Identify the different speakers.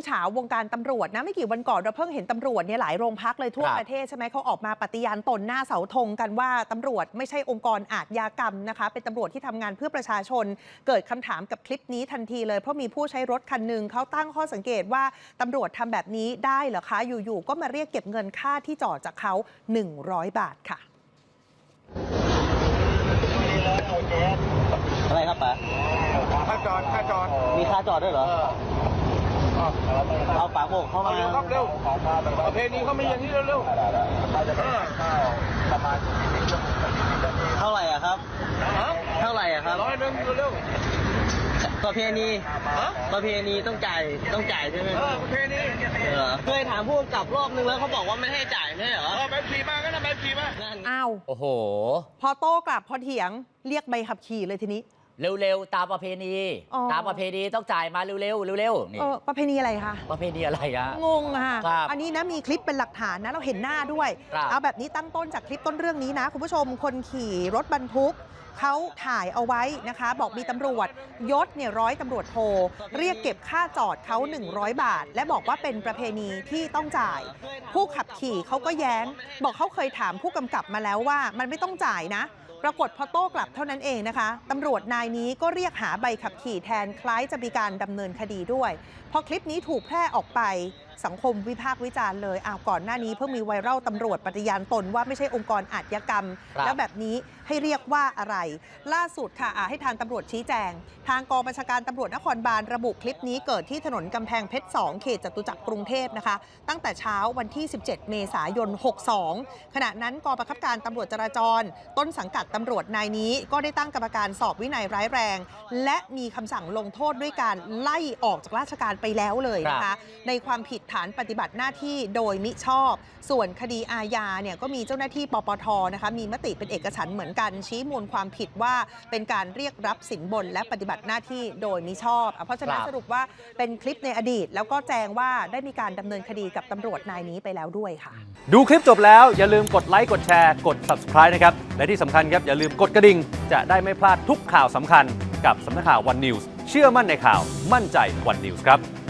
Speaker 1: เฉาวงการตำรวจนะไม่กี่วันก่อนเราเพิ่งเห็นตำรวจเนี่ยหลายโรงพักเลยทั่วประเทศใช่ไหมเขาออกมาปฏิญาณตนหน้าเสาธงกันว่าตำรวจไม่ใช่องค์กรอาชญากรรมนะคะเป็นตำรวจที่ทำงานเพื่อประชาชนเกิดคำถามกับคลิปนี้ทันทีเลยเพราะมีผู้ใช้รถคันหนึ่งเขาตั้งข้อสังเกตว่าตำรวจทำแบบนี้ได้เหรอคะอยู่ๆก็มาเรียกเก็บเงินค่าที่จอดจากเขา100 บาทค่ะ
Speaker 2: อะไรครับป๋า
Speaker 3: ค่าจอด
Speaker 2: มีค่าจอดด้วยเหรอเอาป๋าโบกเข้ามา
Speaker 3: เร็วครับเร็วประเพณีเขาไม่อย่างนี้เร็ว
Speaker 2: เท่าไหร่อะครับเท่าไหร่อะครับ
Speaker 3: 100เร็ว
Speaker 2: ประเพณีต้องจ่ายใช่ไหม
Speaker 3: ประเพณี
Speaker 2: เคยถามผู้กำกับรอบนึงแล้วเขาบอกว่าไม่ให้จ่ายไม่ใช่เหรอ
Speaker 3: ใบขับขี่มาก็นะใบขับขี่มา
Speaker 1: อ้าว
Speaker 4: โอ้โห
Speaker 1: พอโต้กลับพอเถียงเรียกใบขับขี่เลยทีนี้
Speaker 4: เร็วๆตามประเพณีต้องจ่ายมาเร็วนี่
Speaker 1: ประเพณีอะไรคะ
Speaker 4: ประเพณีอะไรอะ
Speaker 1: งงค่ะอันนี้นะมีคลิปเป็นหลักฐานนะเราเห็นหน้าด้วยเอาแบบนี้ตั้งต้นจากคลิปต้นเรื่องนี้นะคุณผู้ชมคนขี่รถบรรทุกเขาถ่ายเอาไว้นะคะบอกมีตำรวจยศเนี่ยร้อยตำรวจโทเรียกเก็บค่าจอดเขา100 บาทและบอกว่าเป็นประเพณีที่ต้องจ่ายผู้ขับขี่เขาก็แย้งบอกเขาเคยถามผู้กำกับมาแล้วว่ามันไม่ต้องจ่ายนะปรากฏพอโต้กลับเท่านั้นเองนะคะตำรวจนายนี้ก็เรียกหาใบขับขี่แทนคล้ายจะมีการดำเนินคดีด้วยพอคลิปนี้ถูกแพร่ออกไปสังคมวิพากษ์วิจารณ์เลยก่อนหน้านี้เพิ่งมีไวรัลตำรวจปฏิญาณตนว่าไม่ใช่องค์กรอาชญากรรมแล้วแบบนี้ให้เรียกว่าอะไรล่าสุดค่ะให้ทางตำรวจชี้แจงทางกองบัญชาการตำรวจนครบาลระบุคลิปนี้เกิดที่ถนนกำแพงเพชร2เขตจตุจักรกรุงเทพนะคะตั้งแต่เช้าวันที่17 เมษายน 62ขณะนั้นกองบังคับการตำรวจจราจรต้นสังกัดตำรวจนายนี้ก็ได้ตั้งกรรมการสอบวินัยร้ายแรงและมีคำสั่งลงโทษด้วยการไล่ออกจากราชการไปแล้วเลยนะคะในความผิดฐานปฏิบัติหน้าที่โดยมิชอบส่วนคดีอาญาเนี่ยก็มีเจ้าหน้าที่ปปทนะคะมีมติเป็นเอกฉันท์เหมือนกันชี้มูลความผิดว่าเป็นการเรียกรับสินบนและปฏิบัติหน้าที่โดยมิชอบเพราะฉะนั้นสรุปว่าเป็นคลิปในอดีตแล้วก็แจ้งว่าได้มีการดำเนินคดีกับตำรวจนายนี้ไปแล้วด้วยค่ะ
Speaker 5: ดูคลิปจบแล้วอย่าลืมกดไลค์กดแชร์กด Subscribe นะครับและที่สำคัญครับอย่าลืมกดกระดิ่งจะได้ไม่พลาดทุกข่าวสำคัญกับสำนักข่าว One News เชื่อมั่นในข่าวมั่นใจ One News ครับ